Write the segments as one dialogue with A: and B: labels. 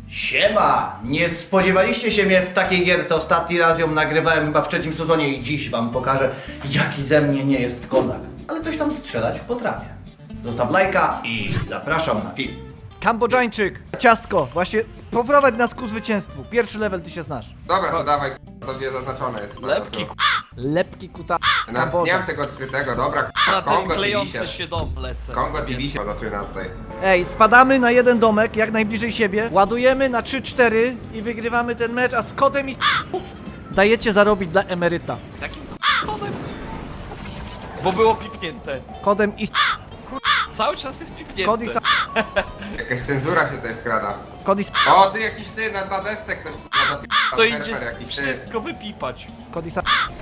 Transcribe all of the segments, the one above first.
A: Siema! Nie spodziewaliście się mnie w takiej gierce. Ostatni raz ją nagrywałem chyba w trzecim sezonie i dziś wam pokażę, jaki ze mnie nie jest kozak. Ale coś tam strzelać potrafię. Zostaw lajka i zapraszam na film.
B: Kambodżańczyk, ciastko, właśnie poprowadź nas ku zwycięstwu. Pierwszy level ty się znasz.
C: Dobra, to dawaj, to wie zaznaczone jest.
D: Lepki,
B: Lepki kuta.
C: Nie mam tego odkrytego, dobra,
D: na ten
C: Kongo
D: klejący
C: TV
D: się dom lecę.
C: Kongo TV się zaczyna tutaj.
B: Ej, spadamy na jeden domek, jak najbliżej siebie, ładujemy na 3-4 i wygrywamy ten mecz, a z kodem i dajecie zarobić dla emeryta.
D: Jakim kodem? Bo było pipnięte.
B: Kodem i
D: Cały czas jest pipnięte.
B: kod i
C: Jakaś cenzura się tutaj wkrada.
B: kod i
C: O, ty jakiś ty, na desce ktoś
D: To
C: serwer
D: idzie
C: jakiś, ty.
D: wszystko wypipać.
B: kod i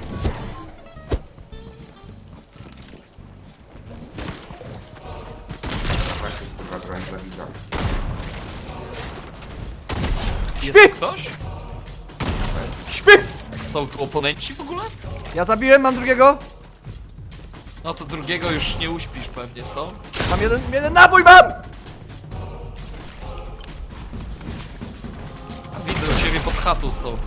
C: Właśnie, kurwa, broń zabijam.
D: Jest tu ktoś?
B: Śpis!
D: Są tu oponenci w ogóle?
B: Ja zabiłem, mam drugiego.
D: No to drugiego już nie uśpisz pewnie, co?
B: Mam jeden nabój mam!
D: A widzę, u ciebie pod chatą są.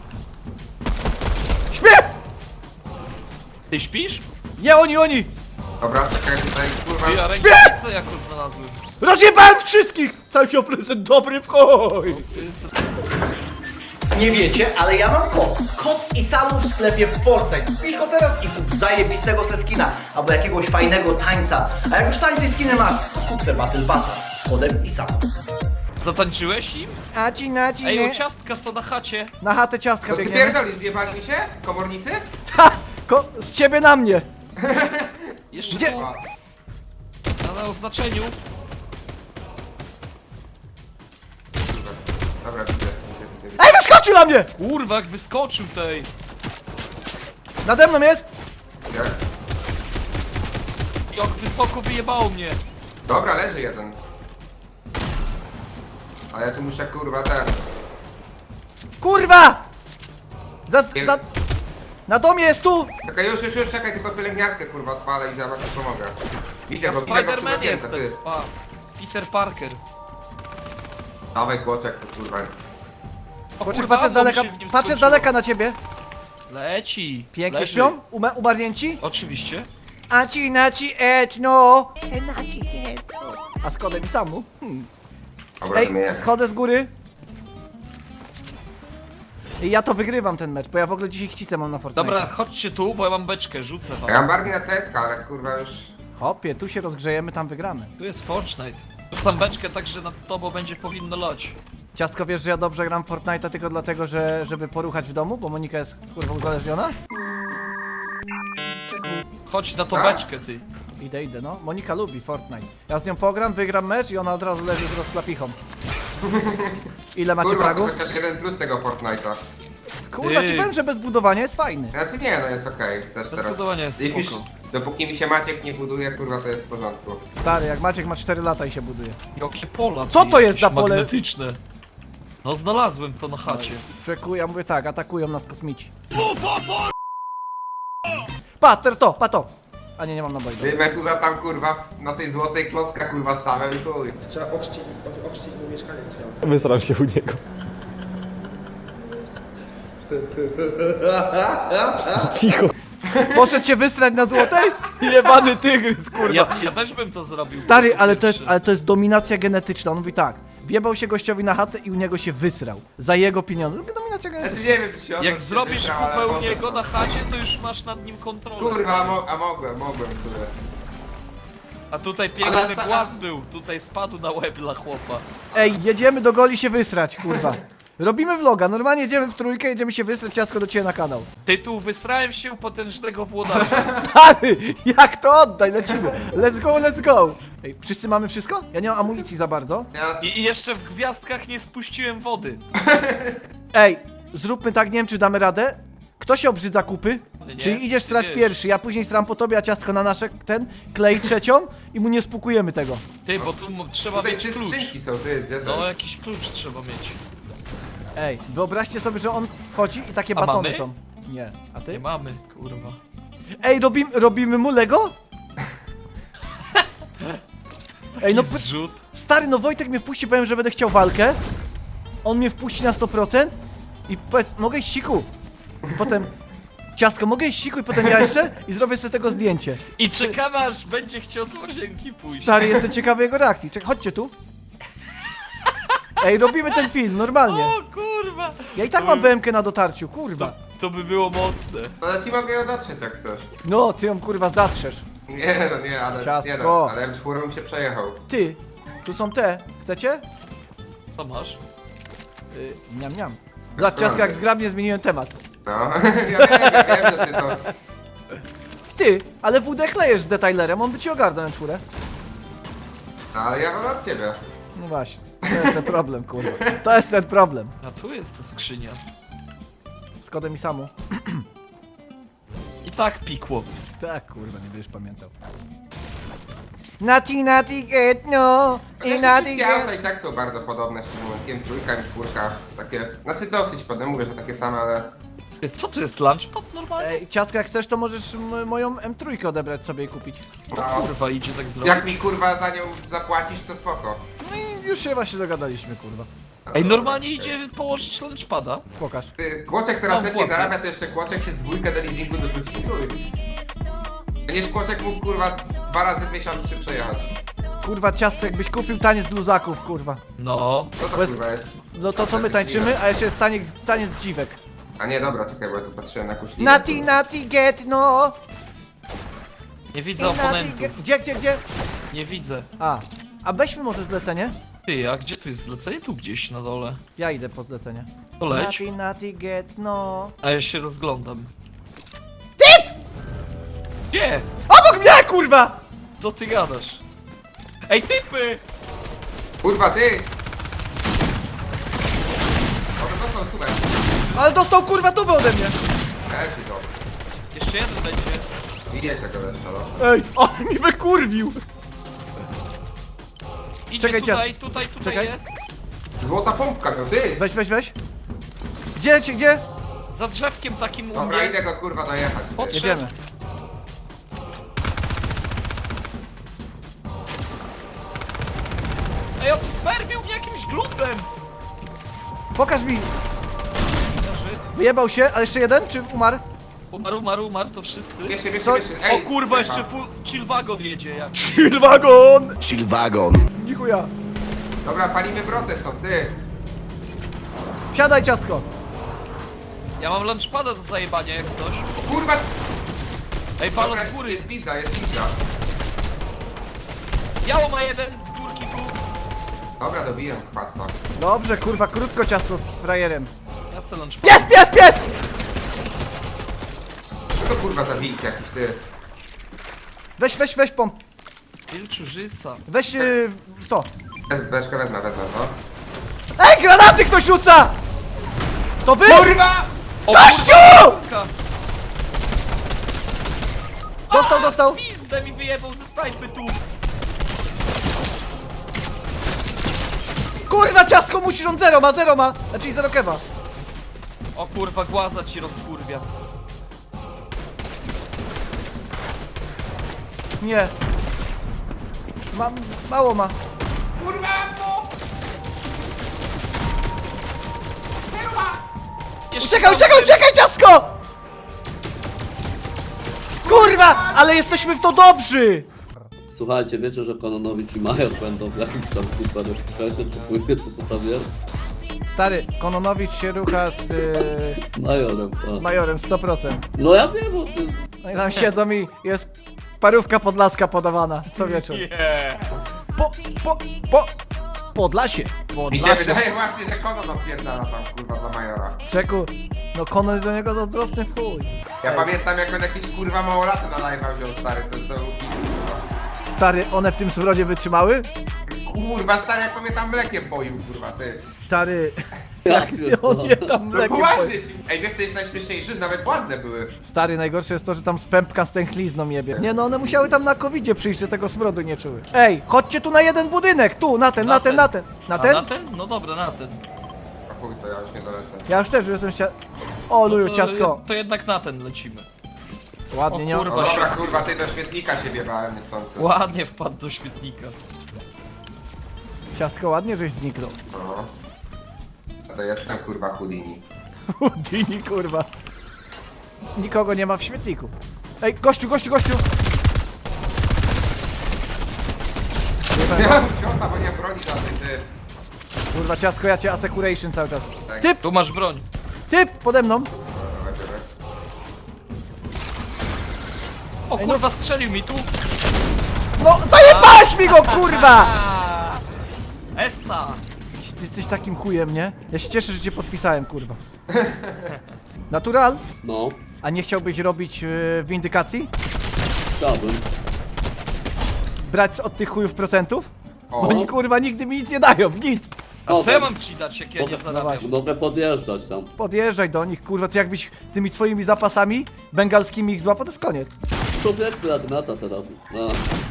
B: Śpię!
D: Ty śpisz?
B: Nie oni!
C: Dobra, czekaj tutaj, kurwa.
D: Ty, a rękawicę jako znalazłem.
B: Rozjebałem wszystkich! Cały się prezent dobry w chuj!
D: Ty jest...
A: Nie wiecie, ale ja mam kod. Kod i samu w sklepie Fortnite. Wpisz go teraz i kup zajebistego se skina. Albo jakiegoś fajnego tańca. A jak już tańce i skiny masz, to kup se Battle Passa z kodem i samu.
D: Zatańczyłeś im?
B: Aci, naci,
D: Ej,
B: nie.
D: u ciastka są na chacie.
B: Na chatę ciastka
C: To ty
B: biegniemy.
C: pierdolisz, wjebali mi się? Komornicy?
B: Ha! Z ciebie na mnie!
D: Jeszcze
B: Gdzie?
D: tu. Na oznaczeniu.
C: Dobra, widzę.
B: Ej, wyskoczył na mnie!
D: Kurwa, jak wyskoczył tej.
B: Nade mną jest!
C: Jak?
D: Jak wysoko wyjebało mnie.
C: Dobra, leży jeden. A ja tu muszę, kurwa, ten.
B: Kurwa! Za... Na domie jest tu!
C: Czekaj, już, czekaj, tylko pielęgniarkę, kurwa, odpalę i za was pomogę. Widzę
D: Ja
C: go, widzę go
D: Spider-Man
C: przy
D: jestem.
C: ty.
D: Pa. Peter Parker.
C: Dawaj, kłoczek, to kurwa.
D: O,
B: Poczekaj,
D: kurwa,
B: patrzę z
D: ammo mi
B: daleka,
D: się w nim
B: patrzę z
D: skończyło.
B: daleka na ciebie.
D: Leci.
B: Pięknie
D: Leży.
B: śpią? Umarnięci?
D: Oczywiście.
B: Aci, naci, no! A z kodem i samu?
C: Dobra,
B: Ej,
C: wymienię.
B: schodzę z góry. I ja to wygrywam ten mecz, bo ja w ogóle dzisiaj chcicę mam na Fortnite.
D: Dobra, chodźcie tu, bo ja mam beczkę, rzucę wam.
C: Ja mam bardziej na CSK, ale kurwa już...
B: Hopie, tu się rozgrzejemy, tam wygramy.
D: Tu jest Fortnite. Rzucam beczkę tak, że nad tobą będzie powinno lać.
B: Ciastko, wiesz, że ja dobrze gram w Fortnite'a tylko dlatego, żeby poruchać w domu, bo Monika jest kurwa uzależniona?
D: Chodź na tą
C: A?
D: beczkę, ty.
B: Idę, no. Monika lubi Fortnite. Ja z nią pogram, wygram mecz i ona od razu leży z rozklapichą. Ile macie
C: Kurwa, to
B: pragu?
C: chociaż jeden plus tego Fortnite'a.
B: Kurwa, ci
D: Ty.
B: powiem, że bez budowania jest fajny.
C: Znaczy nie, no jest okej. Też teraz.
D: budowania jest
C: Jeśli-
D: spoko.
C: Dopóki mi się Maciek nie buduje, kurwa, to jest w porządku.
B: Stary, jak Maciek ma 4 lata i się buduje.
D: Jakie pola,
B: Co
D: ty,
B: to jest
D: jakieś
B: za pole?
D: magnetyczne. No znalazłem to na chacie.
B: Czekuję, ja mówię tak, atakują nas kosmici. Pater to, pato! A nie, nie mam naboi.
C: Wyjmę tu za tam, kurwa, na tej złotej klocka, kurwa, stawiam i chuj.
E: Trzeba ochrzcić mój mieszkaniec miał.
F: Wysram się u niego. Cicho.
B: Poszedł się wysrać na złotej? Jebany tygrys, kurwa.
D: Ja też bym to zrobił.
B: Stary,
D: jako pierwszy.
B: ale to jest dominacja genetyczna. On mówi tak, wjebał się gościowi na chatę i u niego się wysrał. Za jego pieniądze. Dominacja genetyczna.
C: Znaczy nie wiem, czy się o
D: Jak
C: to
D: zrobisz
C: wybrał, ale
D: kupę u
C: potem-
D: niego na chacie, to już masz nad nim kontrolę.
C: Kurwa, mogłem sobie.
D: A tutaj
C: Ale
D: piękny
C: sta-
D: głaz był, tutaj spadł na łeb dla chłopa.
B: Ej, jedziemy do Goli się wysrać, kurwa. Robimy vloga, normalnie jedziemy w trójkę, jedziemy się wysrać, ciastko do ciebie na kanał.
D: Tytuł Wysrałem się u potężnego włodarza.
B: Stary, jak to oddaj, lecimy. Let's go, let's go. Ej, wszyscy mamy wszystko? Ja nie mam amunicji za bardzo.
C: Ja...
D: I jeszcze w gwiazdkach nie spuściłem wody.
B: Ej, zróbmy tak, nie wiem czy damy radę. Kto się obrzydza kupy?
D: Nie,
B: Czyli idziesz
D: ty
B: srać
D: wiesz.
B: pierwszy, ja później sram po tobie, a ciastko na nasze klei trzecią i mu nie spukujemy tego.
D: Ty, bo tu trzeba
C: Tutaj
D: mieć
C: trzy
D: klucz.
C: skrzynki są, ty, gdzie to?
D: No, jakiś klucz trzeba mieć.
B: Ej, wyobraźcie sobie, że on wchodzi i takie
D: A
B: batony
D: mamy?
B: są. Nie, a
D: Nie
B: ty?
D: mamy, kurwa.
B: Ej, robimy mu Lego? Ej, no
D: Zrzut.
B: stary, no Wojtek mnie wpuści, powiem, że będę chciał walkę. on mnie wpuści na 100% i powiedz, mogę iść siku. I potem, ciastko, mogę iść siku i potem ja jeszcze i zrobię sobie z tego zdjęcie.
D: I czekam aż będzie chciał do łazienki pójść.
B: Stary, jestem ciekawy jego reakcji. Chodźcie tu. Ej, robimy ten film, normalnie.
D: O kurwa!
B: Ja i tak mam BMK na dotarciu, kurwa.
D: To by było mocne.
C: No ja ci mogę ją dotrzeć jak chcesz.
B: No, ty ją kurwa zatrzesz.
C: Nie no, nie, ale
B: Ciastko.
C: nie no, ale M4 mi się przejechał.
B: Ty, tu są te. Chcecie?
D: Co masz?
B: Niam, niam. Zobacz, ciastko, jak zgrabnie zmieniłem temat.
C: No, ja wiem, że ty to...
B: Ty, ale WD klejesz z detailerem, on by ci ogarnął M4.
C: No, ale ja mam od ciebie.
B: No właśnie, to jest ten problem, kurwa. To jest ten problem.
D: A tu jest ta skrzynia.
B: Z kodem i samu.
D: I tak pikło.
B: Tak, kurwa, nie będziesz pamiętał. Nati get no i nati
C: Wszystkie auta
B: get.
C: i tak są bardzo podobne, szczerze mówiąc. M3, M4, takie... Znaczy dosyć podobne, mówię, że takie same, ale...
D: Co to jest lunchpad normalnie?
B: Ej, ciastka, jak chcesz, to możesz moją M3 odebrać sobie i kupić.
C: No,
D: Kurwa, idzie tak zrobić.
C: jak mi kurwa za nią zapłacisz, to spoko.
B: No i już się właśnie dogadaliśmy, kurwa.
D: Ej, normalnie idzie położyć lunchpada.
B: Pokaż.
C: Ty, Kłoczek teraz
D: Mam
C: lepiej
D: włosy.
C: zarabia, to jeszcze Kłoczek się z dwójkę do leasingu dorzuci. Będziesz Kłoczek mógł kurwa 2 razy w miesiąc się przejechać.
B: Kurwa, ciastko, jakbyś kupił taniec luzaków, kurwa.
D: No.
C: Co to
B: Bez-
C: kurwa jest?
B: No to co my tańczymy, a jeszcze jest taniec dziwek.
C: A nie, dobra, czekaj, bo ja tu patrzyłem na jakąś linię.
B: Nati get no.
D: Nie widzę oponentów.
B: Gdzie?
D: Nie widzę.
B: A weźmy może zlecenie?
D: Ty, a gdzie tu jest zlecenie? Tu gdzieś na dole.
B: Ja idę po zlecenie.
D: To leć.
B: Nati get no.
D: A ja się rozglądam. Ty! Gdzie?
B: Obok mnie, kurwa!
D: Co ty gadasz? Ej, typy!
C: Kurwa, ty! Może to są super.
B: Ale dostał kurwa dubę ode mnie.
C: Leci to.
D: Jeszcze jeden będzie.
C: Widzieć tego leszcza, no.
B: Ej, on mi wykurwił.
D: Idzie
B: Czekaj,
D: tutaj
B: Czekaj.
D: jest.
C: Złota pompka, no ty!
B: Weź. Gdzie?
D: Za drzewkiem takim u
C: Dobra,
D: mnie.
C: idę go kurwa dojechać. ty.
D: Podszedł.
B: Jedziemy.
D: Ej, obspermił mnie jakimś glutem.
B: Pokaż mi.
D: Leży.
B: Wyjebał się, ale jeszcze jeden? Czy umarł?
D: Umarł, to wszyscy.
C: Bierzcie,
B: Co?
D: O
C: Ej,
D: kurwa,
C: strefa.
D: jeszcze full chill wagon jedzie jak.
B: Chillwagon!
F: Chillwagon.
B: Dziękuję.
C: Dobra, palimy brotę są, ty!
B: Siadaj, ciastko.
D: Ja mam lunchpada do zajebania jak coś.
C: Kurwa!
D: Ej, palo
C: Dobra,
D: z góry.
C: jest pizza, jest pizza.
D: Biało ma jeden z górki tu.
C: Dobra, dobiję chwasta.
B: Dobrze, kurwa, krótko ciasto z frajerem.
D: Ja se lunchpada.
B: Pies!
C: Co to kurwa za wilk jakiś, ty?
B: Weź pomp.
D: Wilczurzyca.
B: Weź to.
C: Beczkę wezmę, no.
B: Ej, granaty ktoś rzuca! To wy?
C: Kurwa!
D: O
B: Gościu!
D: kurwa!
B: Dostał.
D: Pizdę mi wyjebał ze snajpy tu.
B: Kurwa, ciastko musisz, on zero ma. Znaczy zero kewa.
D: O kurwa, głaza ci rozkurwia.
B: Nie. Mało ma.
C: Kurwa, no!
D: Jeszcze
B: Uciekaj, ciastko! Kurwa, ale jesteśmy w to dobrzy!
G: Słuchajcie, wiecie, że Kononowicz i Major będą w jakimś tam super okresie, czy pływie, co to tam jest?
B: Stary, Kononowicz się rucha z
G: Majorem, tak.
B: Majorem 100%.
G: No ja wiem o tym.
B: No i tam siedzą i jest parówka podlaska podawana co wieczór. Podlasie.
C: Mi się wydaje właśnie, że Konon odpierdala tam kurwa dla Majora.
B: Czeku, no Konon jest do niego zazdrosny w chuj.
C: Ja pamiętam jak on jakieś kurwa małolaty na live'a wziął stary, to
B: Stary, one w tym smrodzie wytrzymały?
C: kurwa stary jak pamiętam mlekiem boił kurwa ty.
B: Stary,
G: Ja
B: jak on je
G: pierdolę.
B: tam
C: No
B: mlekiem
C: właśnie
B: poje-
C: ci. Ej wiesz co jest najśmieszniejsze, że nawet ładne były.
B: Stary, najgorsze jest to, że tam z pępka z tęchlizną jebie. Nie no, one musiały tam na covidzie przyjść, że tego smrodu nie czuły. Ej, chodźcie tu na jeden budynek, tu, na ten. Na
D: A
B: ten?
D: na ten? No dobra, na ten.
C: A chuj to ja już nie dolecę.
B: Ja już też jestem O, luju,
D: to,
B: ciastko.
D: to jednak na ten lecimy.
B: Ładnie,
D: o
B: nie?
D: kurwa.
C: No dobra kurwa ty do świetnika się biewałem niechcący.
D: Ładnie wpadł do śmietnika.
B: Ciastko, ładnie żeś zniknął.
C: No. To jestem kurwa Houdini.
B: Houdini, kurwa. Nikogo nie ma w śmietniku. Ej, gościu!
C: Miałem ciosa, bo nie broni żadnej, ty.
B: Kurwa, ciastko, ja cię assecuration cały czas.
C: Tak.
B: Typ!
D: Tu masz broń.
B: Typ! Pode mną!
C: Dobra, biorę.
D: O kurwa, strzelił mi tu.
B: No, zajebałeś mi go, kurwa!
D: Essa!
B: Ty jesteś takim chujem, nie? Ja się cieszę, że cię podpisałem, kurwa. Natural?
G: No,
B: A nie chciałbyś robić windykacji?
G: chciałbym.
B: Brać od tych chujów procentów?
C: O.
B: Bo oni, kurwa, nigdy mi nic nie dają, nic!
D: A co ja mam ci dać, jak ja nie zarabiam?
B: właśnie.
G: Mogę podjeżdżać tam.
B: Podjeżdżaj do nich, kurwa, ty jakbyś tymi twoimi zapasami bengalskimi ich złapał, to jest koniec.
G: Człowieku jak nata teraz. No,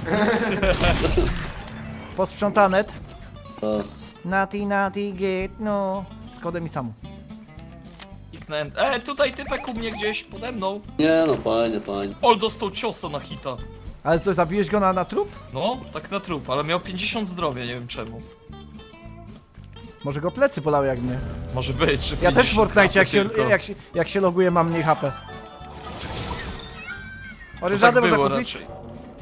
B: Posprzątanet.
G: no.
B: Nati, get, no. Z kodem i samu.
D: Kliknąłem. Tutaj typek u mnie gdzieś pode mną.
G: Nie no, fajnie.
D: Ol dostał ciosa na hita.
B: Ale co, zabiłeś go na trup?
D: No, tak na trup, ale miał 50 zdrowia, nie wiem czemu.
B: Może go plecy bolały jak mnie.
D: Może być, że
B: Ja też w
D: 50
B: Fortnite,
D: tylko.
B: jak się loguję, mam mniej HP.
D: Tak
B: Orężadę można
D: było
B: kupić?
D: raczej.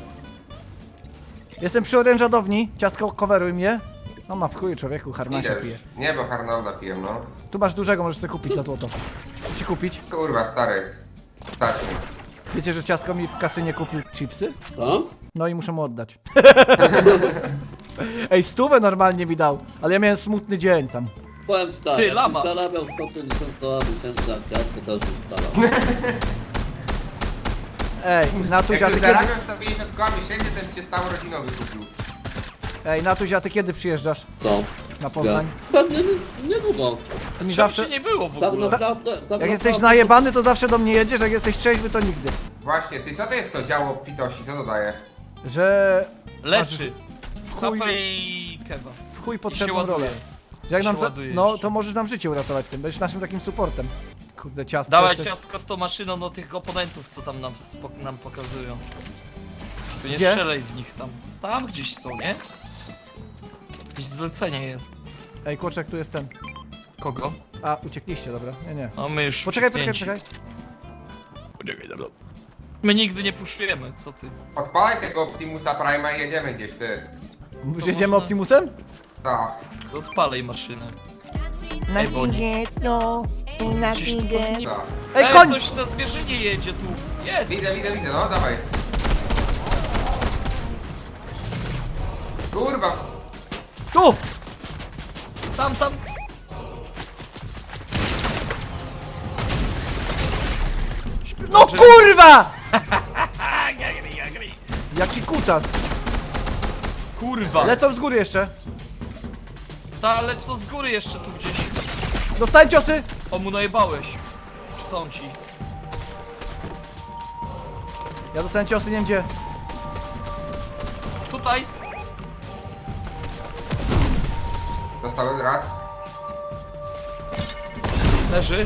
B: Jestem przy orężadowni. Ciastko, coveruj mnie. No ma w chuju, człowieku, harnasia
C: Idę
B: pije.
C: już. Nie, bo Harnolda piję, no.
B: Tu masz dużego, możesz sobie kupić za złoto. Co ci kupić?
C: Kurwa, stary. Stać mi.
B: Wiecie, że ciastko mi w kasynie kupił chipsy?
G: Tam?
B: No i muszę mu oddać. Ej, 100 normalnie mi dał, ale ja miałem smutny dzień tam.
G: Powiem ci tak,
D: Ty,
G: jakbyś
D: lama.
G: zarabiał 150 dolarów miesięcznie, jak ciastko też bym starał.
B: Ej, Natuś, a
C: Jak
B: ty
C: już
B: kiedy...
C: zarabiam 150 koła miesięcznie, to bym cię stałą rodziną wykupił.
B: Ej, Natuś, a ty kiedy przyjeżdżasz
G: Co?
B: na Poznań?
G: Pewnie niedługo.
B: Ty mi
D: Czemu
B: zawsze...
D: cię nie było w
G: Tak
D: ogóle?
G: naprawdę... Tak
B: Jak jesteś
G: naprawdę-
B: najebany, to zawsze do mnie jedziesz, jak jesteś trzeźwy, to nigdy.
C: Właśnie, ty co to jest to działo pitości? Co to daje?
B: Że...
D: Leczy.
B: Chuj,
D: Kapę i kewa.
B: w chuj
D: I się
B: potrzebną
D: ładuje.
B: rolę. Że jak
D: się
B: nam
D: ładuje
B: no,
D: jeszcze.
B: to możesz nam życie uratować tym, będziesz naszym takim supportem. Kurde, ciastko.
D: Dawaj
B: jesteś-
D: ciastko z tą maszyną do tych oponentów, co tam nam pokazują. Tu nie
B: Gdzie?
D: strzelaj w nich tam. Tam gdzieś są, nie? Jakieś zlecenie jest.
B: Ej, kurczak, tu jest ten.
D: Kogo?
B: A, uciekliście, dobra. Nie.
D: No my już
B: Poczekaj.
D: wciśnięci. My nigdy nie puszujemy, co ty?
C: Odpalaj tego Optimusa Prime'a i jedziemy gdzieś, ty.
B: Już
D: To
B: jedziemy
D: można-
B: Optimusem?
C: Tak.
D: Odpalej maszynę.
H: Na
D: Ej, bo nie-
H: tiget, no, i na
D: Gdzieś tu
H: tiget.
D: powinni-
C: Tak.
B: Ej, koń!
D: coś na zwierzynie jedzie tu. Jest!
C: Widzę, no dawaj. Kurwa,
B: Tu!
D: Tam!
B: No kurwa! Jaki kutas!
D: Kurwa!
B: Lecą z góry jeszcze.
D: Ta, lecz to z góry jeszcze tu gdzieś.
B: Dostałem ciosy!
D: O, mu najebałeś. Czy to on ci?
B: Ja dostałem ciosy, nie wiem gdzie.
D: Tutaj!
C: dostałem raz.
D: Leży.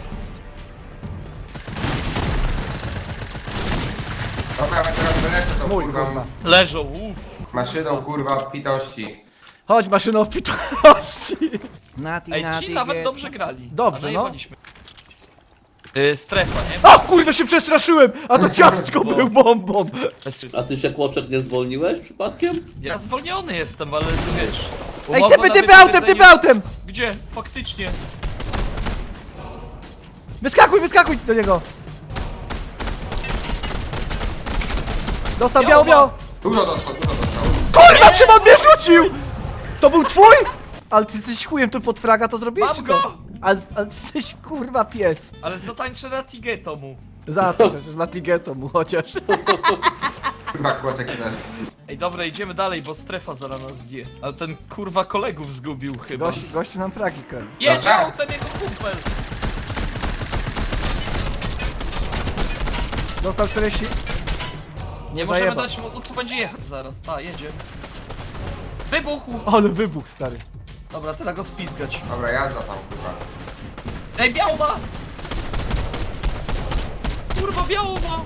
C: Dobra, ja teraz wylecę tą
B: Mój,
C: kurwa
B: kurwa.
D: Leżą, uff.
C: maszyną kurwa pitości.
B: Chodź, maszyno opitości! Nati,
D: Ej, ci nawet dobrze grali.
B: Dobrze,
D: A
B: no.
D: najebaliśmy. Strefa, nie?
B: A kurwa, się przestraszyłem! A to ciastko był bombą!
G: A ty się, Kłoczek, nie zwolniłeś przypadkiem?
D: Ja zwolniony jestem, ale ty wiesz.
B: Ej,
D: umowa
B: typy,
D: na
B: typy autem,
D: wypowiedzenie-
B: typy autem!
D: Gdzie? Faktycznie.
B: Wyskakuj do niego! Dostał
D: Biało
B: biało!
C: Dużo dostał.
B: Kurwa, czym on mnie rzucił? To był twój? Ale ty jesteś chujem, tu pod fraga to zrobiłeś,
D: Mam
B: czy
D: go!
B: co? Ale ty jesteś kurwa pies.
D: Ale zatańczę na Tigeto mu.
B: Za to przecież, na Tigeto mu chociaż.
C: Kurwa kłoczek też.
D: Ej, dobra, idziemy dalej, bo strefa zaraz nas zje. Ale ten kurwa kolegów zgubił chyba.
B: Gościu nam fragi kradł.
D: Jedzie
C: Dobra.
D: autem jego kumpel!
B: Dostał 40.
D: Nie możemy
B: zajebał.
D: dać mu, tu będzie jechać zaraz, ta, jedzie. Wybuchł!
B: Ale wybuch, stary.
D: Dobra, teraz go spizgać.
C: Dobra, jazda tam kurwa.
D: Ej, biało ma! Kurwa, biało ma!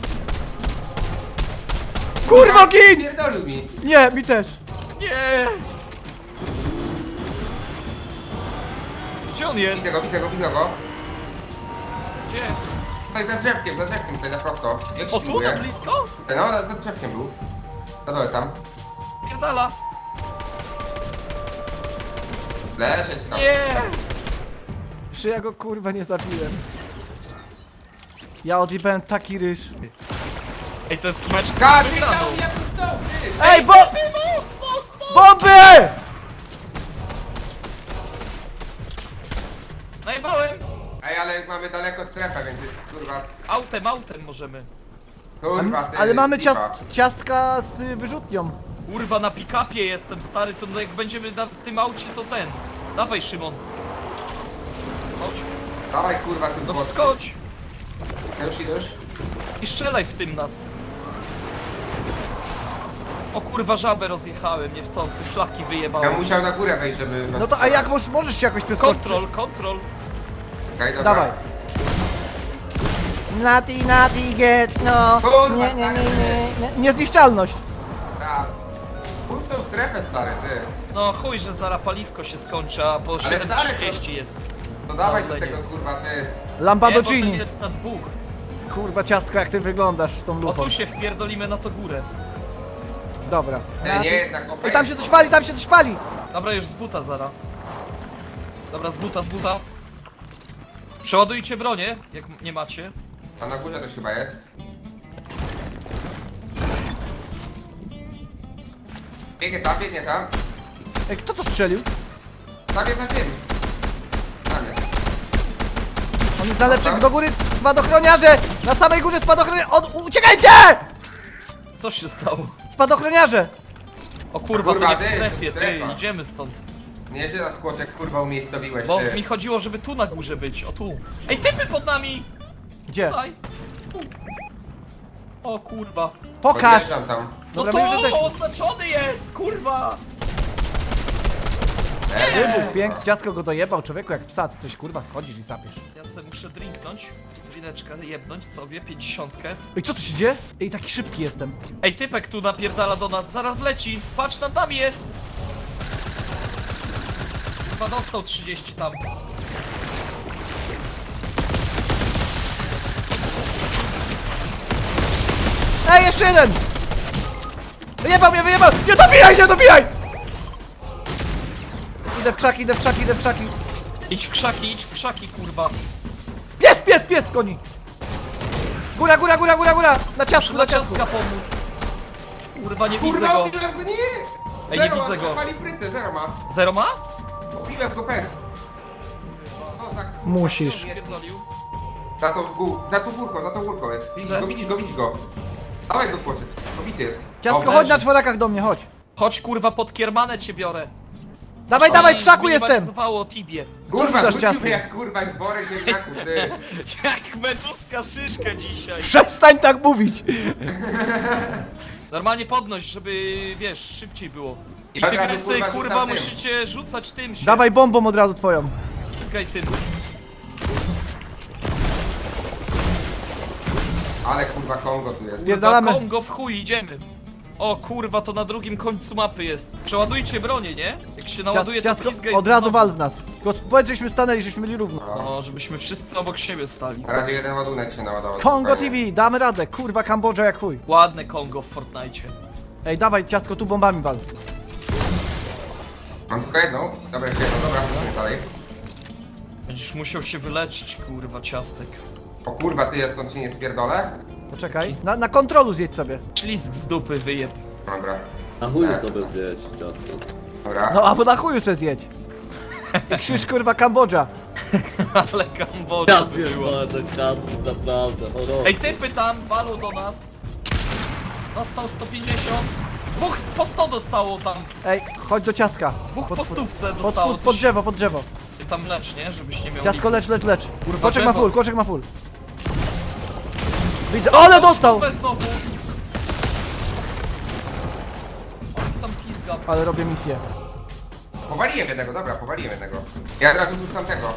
B: Kurwa, gin!
C: Pierdolił mi.
B: Nie, mi też.
D: Nie! Gdzie on jest?
C: Widzę go, widzę go, widzę go.
D: Gdzie?
C: Tutaj za drzewkiem, tutaj na prosto. Jak się
D: O, tu na
C: pilnuje?
D: blisko?
C: No, za drzewkiem był. Na dole tam.
D: Pierdala.
C: Leżeć tam.
D: Nie!
B: Czy ja go kurwa nie zabiłem? Ja odjebałem taki ryż.
D: Ej, to jest mecz
C: Gady,
D: wygraną.
C: dał mnie puszczą, ty!
B: Ej, bo...
D: Most, most, most!
B: Bomby!
D: Najebałem!
C: Ej, ale mamy daleko strefę, więc jest kurwa...
D: Autem możemy.
C: Kurwa, ty,
B: Ale mamy
C: lipa.
B: ciastka z wyrzutnią.
D: Kurwa, na pick-upie jestem, stary, to jak będziemy na tym aucie, to ten. Dawaj, Szymon. Chodź.
C: Dawaj kurwa, tym
D: No
C: bosem.
D: wskocz!
C: Już.
D: I strzelaj w tym nas. O kurwa, żabę rozjechałem niechcący, flaki
C: Ja
D: wyjebałem.
C: musiał na górę wejść, żeby...
B: No to a jak możesz się jakoś przeskoczyć?
D: Kontrol.
C: Okej, dobra.
B: Dawaj.
H: Nati, get, no.
C: Kurwa,
H: Nie.
B: Niezniszczalność.
C: Tak. Kup tą strefę, stary, ty.
D: No chuj, że zaraz paliwko się skończy, a po
C: Ale stary,
D: 7:30 jest.
C: To dawaj do
D: Dobra,
C: tego,
D: nie.
C: kurwa, ty.
D: Nie, bo
B: Lamborghini.
D: ten jest na dwóch.
B: Kurwa ciastko, jak ty wyglądasz z tą
D: O
B: lufą.
D: tu się wpierdolimy na to górę.
B: Dobra.
C: Nie, jednak okej.
B: Ej, tam się coś pali!
D: Dobra, już z buta zara. Dobra, z buta. Przeładujcie bronię, jak nie macie.
C: A na górze też chyba jest. Biegnie tam.
B: Ej, kto to strzelił?
C: Tam jest za tym. Tam jest.
B: On jest na lepszym, do góry spadochroniarze! Na samej górze spadochroniarze! Uciekajcie!
D: Co się stało?
B: Spadochroniarze!
D: O kurwa,
C: Kurwa,
D: to nie w
C: ty,
D: strefie, ty,
C: strefa.
D: idziemy stąd.
C: Nie, że na skłoczek, kurwa, umiejscowiłeś,
D: Bo
C: ty.
D: mi chodziło, żeby tu na górze być, o tu. Ej, typy pod nami!
B: Gdzie?
D: Tutaj. Tu. O kurwa.
B: Pokaż!
C: Podjeżdżam tam.
D: No
B: Dobra,
D: tu,
B: my już jesteśmy.
D: oznaczony jest, kurwa!
B: Wybuch, piękny, ciastko go dojebał, człowieku, jak psa, ty coś kurwa schodzisz i sapiesz.
D: Ja sobie muszę drinknąć, wineczkę jebnąć sobie, 50.
B: Ej, co tu się dzieje? Ej, taki szybki jestem.
D: Ej, typek tu napierdala do nas, zaraz wleci. Patrz, tam jest! Chyba dostał 30 tam.
B: Ej, jeszcze jeden! Wyjebał mnie! Nie dobijaj! Idę w krzaki.
D: Idź w krzaki, kurwa.
B: Pies, koni! Góra! Na ciastku,
D: Muszę na ciastka pomóc. Kurwa, nie widzę
C: Kurwa,
D: go.
C: obiłem go, nie!
D: Ej,
C: Zero
D: nie widzę
C: ma,
D: go.
C: Pali fryty, zero ma.
D: Zero ma?
C: Obiłem go pes. No, tak.
B: Musisz.
D: Pierdolił.
C: Za tą górką jest.
D: Widzę.
C: Widzisz go. Dawaj go płoczek. Obity jest.
B: Ciastko,
C: Dobra.
B: chodź na czworakach do mnie, chodź.
D: Chodź, kurwa, pod kiermanę cię biorę.
B: Dawaj, w krzaku jestem!
D: Zminimalizowało Tibie.
C: Kurwa,
B: dasz
C: rzucił
B: ciastko?
C: mnie jak kurwa, jak worek ziemniaków, ty.
D: Jak meduska szyszkę dzisiaj.
B: Przestań tak mówić!
D: Normalnie podnoś, żeby, wiesz, szybciej było. I
C: Ja od razu,
D: tygrysy,
C: kurwa,
D: kurwa,
C: rzucam tym.
D: musicie rzucać tym się.
B: Dawaj bombą od razu twoją.
D: Piskaj tym.
C: Ale kurwa Kongo tu jest.
B: Pier- Pierdalamy.
D: Kongo w chuj, idziemy. O kurwa, to na drugim końcu mapy jest. Przeładujcie bronię, nie? Jak się naładuje, to
B: Ciastko,
D: pizgaj.
B: od razu
D: znowu.
B: wal w nas. Tylko powiedz, żeśmy stanęli, żeśmy byli równo.
D: No, żebyśmy wszyscy obok siebie stali.
C: Na razie jeden ładunek się naładował.
B: Kongo
C: spokojnie.
B: TV, damy radę. Kurwa, Kambodża jak chuj.
D: Ładne Kongo w Fortnite.
B: Ej, dawaj, ciastko, tu bombami wal.
C: Mam tylko jedną. Dobra, jeszcze jedną, dobra, idziemy dalej.
D: Będziesz musiał się wyleczyć, kurwa, ciastek.
C: O kurwa, ty, ja stąd się nie spierdolę?
B: Poczekaj. Na kontrolu zjedź sobie.
D: Ślizg z dupy wyjeb.
C: Dobra,
G: Na chuju sobie zjeść ciasto.
C: dobra.
B: No, albo na chuju se zjedź. I krzyż, kurwa, Kambodża.
D: Ale Kambodża
G: Ja
D: to była.
G: pierdolę ten ciasto, naprawdę. O,
D: Ej, typy tam, walą do nas. Dostał 150. Dwóch po 100 dostało tam.
B: Ej, chodź do ciastka.
D: Dwóch po stówce
B: Pod,
D: dostało.
B: pod drzewo, pod drzewo.
D: Ty tam lecz, nie? Żebyś nie miał
B: Ciastko,
D: liku.
B: lecz.
D: Kurwa,
B: Koczek ma
D: drzewo.
B: full, koczek ma full. Widzę, ale dostał!
D: Stówę znowu. On tam pizga.
B: Ale robię misję.
C: Powaliłem jednego, dobra, powaliłem jednego. Ja od razu rzucam tego.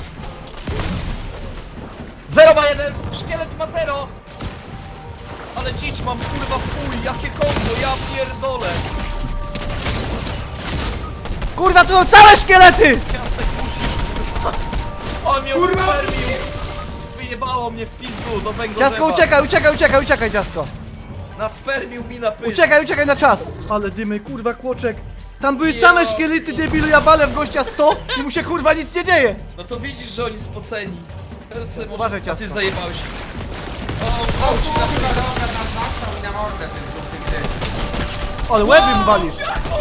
D: 0 ma 1, szkielet ma 0. Ale dziś mam kurwa w chuj, jakie kombo, ja pierdolę.
B: Kurwa, to są same szkielety!
D: Ciastek musisz. wyjebało mnie w pizdu do węgorzewa.
B: Ciastko, uciekaj, uciekaj, uciekaj, uciekaj, ciastko.
D: Naspermił mi na pysk.
B: Uciekaj, uciekaj na czas. Ale dymy, kurwa, kłoczek. Tam były same szkielety, debilu, ja balę w gościa 100 i mu się kurwa nic nie dzieje.
D: No to widzisz, że oni spoceni. Teraz sobie może...
B: Uważaj,
D: A ty
B: ciastko.
D: zajebałeś ich.
C: O kurwa, dobra, nastaw mi na mordę ten ty.
B: Ale łeby mu walisz.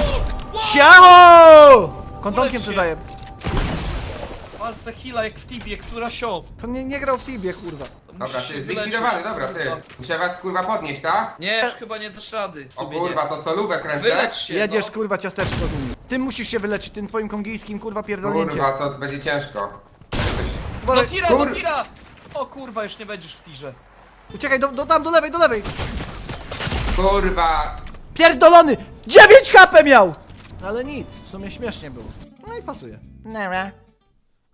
B: Siacho! Kontonkiem
D: Ulecz się.
B: przydaję.
D: Walce heala jak w Tibie, jak Surasio.
B: To nie grał w Tibie, kurwa.
C: Dobra, ty zlikwidowany, dobra, ty. Muszę was kurwa podnieść, tak?
D: Nie, chyba nie dasz rady.
C: O
D: Sobie
C: kurwa,
D: nie.
C: to solubę kręcę.
D: Wylecz się,
B: Jedziesz,
D: no.
B: kurwa, ciasteczko z nimi. Ty musisz się wyleczyć, tym twoim kongijskim, kurwa, pierdolnięciem.
C: Kurwa, to będzie ciężko.
D: Do
B: Uważaj.
D: tira, do tira! O kurwa, już nie będziesz w tirze.
B: Uciekaj, tam, do lewej, do lewej.
C: Kurwa.
B: Pierdolony! 9 HP miał! Ale nic, w sumie śmiesznie było. No i pasuje.
H: Nara.